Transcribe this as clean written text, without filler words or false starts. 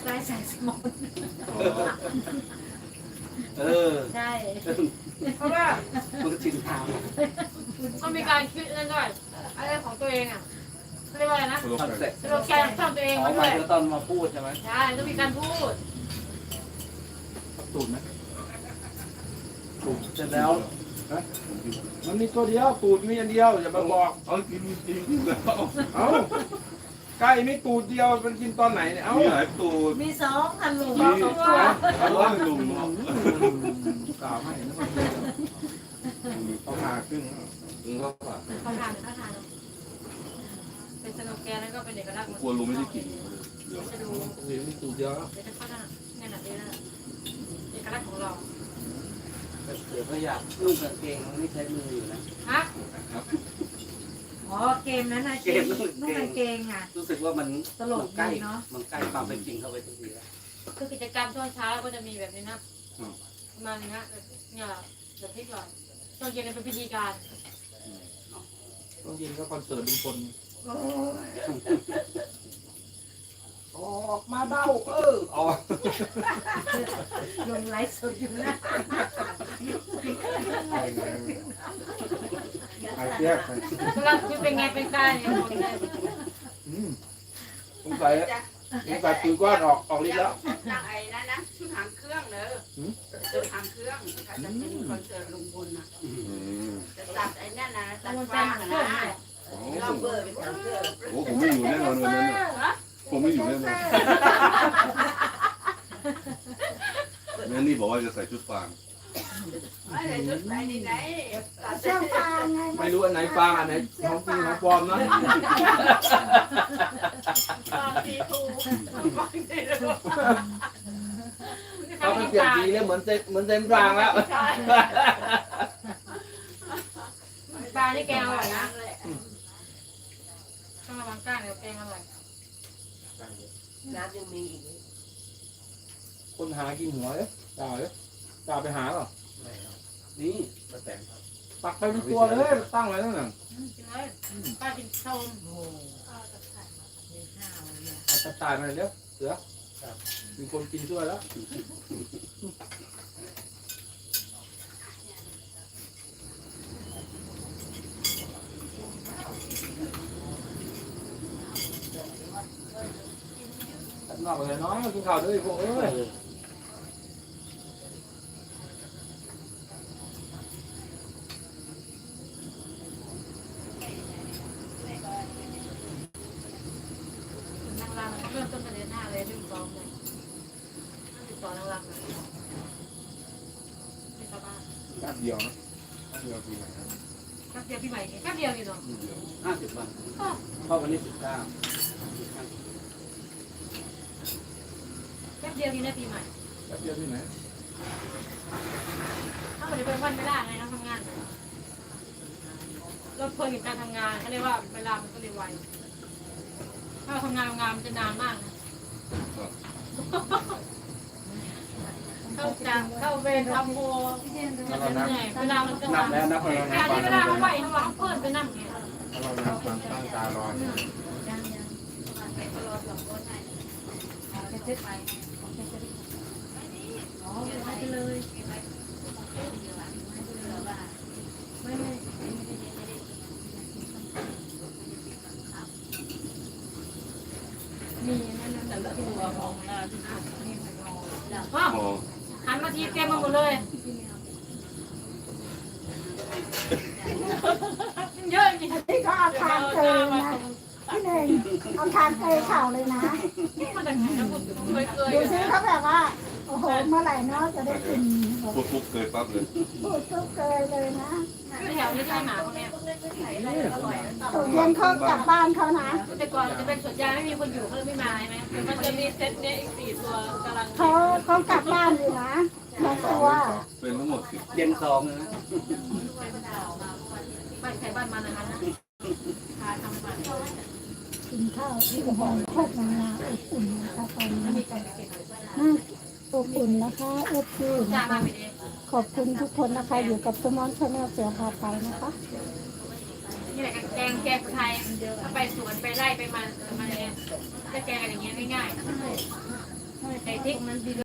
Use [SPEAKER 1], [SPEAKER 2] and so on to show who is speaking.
[SPEAKER 1] ไร้สายสมองใช่
[SPEAKER 2] เพราะว่า
[SPEAKER 3] มันก็ชินทาง
[SPEAKER 2] ต้องมีการคิดนั่นด้วยอะไรของตัวเองอ่ะเรียกว่าอะไรนะ
[SPEAKER 3] คอนเซ็ปต์
[SPEAKER 2] สโลแกนของตัวเอง
[SPEAKER 3] อ๋อ
[SPEAKER 2] มา
[SPEAKER 3] ห
[SPEAKER 2] ด้
[SPEAKER 3] มา
[SPEAKER 2] วย ย
[SPEAKER 3] ถึงตอนมาพูดใช่ไหม
[SPEAKER 2] ใช่ต้องมีการพูด
[SPEAKER 4] ตูดไหม
[SPEAKER 3] เสร็จแล้ว
[SPEAKER 4] มันมีตัวเดียวตูดมีอันเดียวอย่ามาบอก
[SPEAKER 5] เอากินแล้ว
[SPEAKER 4] เอ้าไก่ไม่ตูดเดียวมันกินตอนไหนเนี่ยเอ้า
[SPEAKER 5] มีหลายตูด
[SPEAKER 1] มีสองอันลุง
[SPEAKER 5] มีอันละลุง
[SPEAKER 4] กล่าวให้นะมันเอาหาขึ้น
[SPEAKER 5] เขาฝาก
[SPEAKER 2] เขาทานเป็นสโลแกนแล้วก็เป็นเอกลักษณ์
[SPEAKER 5] กลัวลุงไม่ได้กินเดี๋ยว
[SPEAKER 2] จะดู
[SPEAKER 4] เดี๋ยวมีตูดเดียว
[SPEAKER 2] เดี๋ยวจะเข้าหน้าแน่นอนเลยนะเอกลักษณ์ของเรา
[SPEAKER 3] เดี๋ยวก็อยากนุ่งกางเกงมันไม่ใช้มืออยู่นะ
[SPEAKER 2] ฮะ
[SPEAKER 1] อ๋อเกมนั้นนะเกมนุ่งกางเกงอ่ะ
[SPEAKER 3] รู้สึกว่ามัน
[SPEAKER 1] ตลก
[SPEAKER 3] ใกล้
[SPEAKER 1] ดีเนาะ
[SPEAKER 3] มันใกล้ความเป็นจริงเข้าไปทุกทีแล้ว
[SPEAKER 2] คือกิจกรรมช่วงเช้าก็จะมีแบบนี้นะมาเลยนะเนี่ยเดี๋ยวพี่ก่อนตอนเย็นเป็นพิธีการ
[SPEAKER 4] ต้องยินก็คอนเสิร์ตลุงพล
[SPEAKER 3] ออกมาเบ้าออก
[SPEAKER 1] ลงไลฟ์สดอยู่นะ
[SPEAKER 4] ไอ้เจี๊ยบ
[SPEAKER 2] กำลังคือเป็นไงเป็นการเนี่ยหมดเลย
[SPEAKER 4] สงสัยปืนก้อนออกฤทธิ์แล้ว
[SPEAKER 6] ตั้งไอ้นั่นนะชุดหางเครื่องเนอะชุดหางเครื่องถ้าจะเป็นคอนเสิร์ตลุงพลนะจะตัดไอ้นั่นนะตัด
[SPEAKER 2] มัน
[SPEAKER 6] ฟา
[SPEAKER 2] เป็น
[SPEAKER 6] ง
[SPEAKER 2] เครื่อง
[SPEAKER 6] นะ
[SPEAKER 2] เนี่ย
[SPEAKER 6] เราเบอร์เป็นหางเครื่อง
[SPEAKER 5] โอ้ผมไม่อยู่แน่นอนวันนั้นผมไม่อยู่แน่นอนแม่นี่บอกว่าจะใส่ชุดฟาง
[SPEAKER 6] ไม่ได้ชุดไหนไหนตัด
[SPEAKER 1] เสื้อผ้าไง
[SPEAKER 4] ไม่รู้อันไหนฟางอันไหนของจริงของปลอมนะ
[SPEAKER 6] ฟางทีทูฟางทีทู
[SPEAKER 4] เขาเปลี่ยนสีแล้วเหมือนเต็มฟางแล้ว
[SPEAKER 2] ปลาที่แกงอร่อยนะ
[SPEAKER 6] เลย
[SPEAKER 2] ต้องระวังก้างเดี๋ยวแกงอร่อย
[SPEAKER 6] น้ำยังมีอีก
[SPEAKER 4] คนหากินหัวเลยจ่าไปหาหรอ
[SPEAKER 3] นี่ป้าแตน
[SPEAKER 4] ตักไปเป็นตัวเลยตั้งไว้ตั้งนั่น
[SPEAKER 2] กินเลยป้ากินส้ม
[SPEAKER 1] โอ้โหมีข้าวเนี่ย
[SPEAKER 4] เอาตายมาเลยเดี๋ยวเสือมีคนกินช่วยแล้วนอกเลยน้อยกินข้าวด้วยพวกเอ้ย
[SPEAKER 2] นางรำเริ่มต้นเดือนหน้าเลยดึงซ้อมเลยดึงซ้อมนางรำเลยที่ชาวบ้าน
[SPEAKER 4] แป๊บเดียวนะแป๊บเดียวปีไหนนะ
[SPEAKER 2] แป๊บเดียวพี่ใหม่แป๊บเดียวอยู่เนาะ
[SPEAKER 3] 50 วันเข้าวันนี้19
[SPEAKER 2] แป๊บเดียวนี่นะปีใหม่
[SPEAKER 4] แป๊บเดียวที่ไหน
[SPEAKER 2] ถ้าเกิดเป็นวันไม่ได้ไงต้องทำงานเราเพลินกับการทำงานเขาเรียกว่าเวลามันก็เร็วไวถ้าเราทำงานมันจะนานมากนะเข้าเวรทำโมเหนื่อยเวลามันก็
[SPEAKER 3] นับแล้วนับแล้ว
[SPEAKER 2] การที่เวลาเขาไหวเขาเพิ่มไปนั่งไง
[SPEAKER 4] ถ้าเรานั่งฟังตั้งตารอเนี่ย
[SPEAKER 1] ยังจะเจ็ดไปอ๋อไปเลยไม่มีนั่นนั่นแต่ละตัวของเราที่มีหัวนอน
[SPEAKER 5] อ๋อ
[SPEAKER 2] หันมาทีเต็มมาหมดเลยเยอะจริง
[SPEAKER 7] ที่เขาเอาทางเตยนะพี่หนึ่งเอาทางเตยเข่าเลยนะ
[SPEAKER 2] มาจากไหนนะคุณเคย
[SPEAKER 7] ดูซิเขาแบบว่าโอ้โหเมื่อไหร่เนาะจะได้กินแบบ
[SPEAKER 5] ปุ๊บเคยปั๊บเลย
[SPEAKER 7] พูดซุปเกยเลยนะ
[SPEAKER 2] แถวนี้ที่หมาพวกนี้
[SPEAKER 7] ตกเย็นเขากลับบ้านเขานะ
[SPEAKER 2] แต่ก่อนจะเป็นสวนยางไม่มีคนอยู่เขาเลยไม่มาใช่ไหมมันจะมีเซตเนี้ยอีก4 ตัวกำลัง
[SPEAKER 7] เขากลับบ้านอยู่นะบางตัว
[SPEAKER 5] เป็นทั้งหมด10
[SPEAKER 3] เย็น2เลยนะ
[SPEAKER 2] บ้านใครบ้านมันนะคะพาทำบ้าน
[SPEAKER 7] กินข้าวที่โอ้โหโคตรนานๆอบอุ่นนะคะตอนนี้
[SPEAKER 2] มีการเก็บ
[SPEAKER 7] อบอุ่นนะคะอบอุ่น
[SPEAKER 2] จ้า
[SPEAKER 7] นะ
[SPEAKER 2] มา
[SPEAKER 7] คะ
[SPEAKER 2] ไปเอง
[SPEAKER 7] ขอบคุณทุกคนนะคะอยู่กับสมอนชาแนลเสือพาไปนะคะ
[SPEAKER 2] นี่แหละแกงไทยถ้าไปสวนไปไร่ไปมันอะไรจะแกงกันอย่างเงี้ยง่ายๆพริกนั้นดี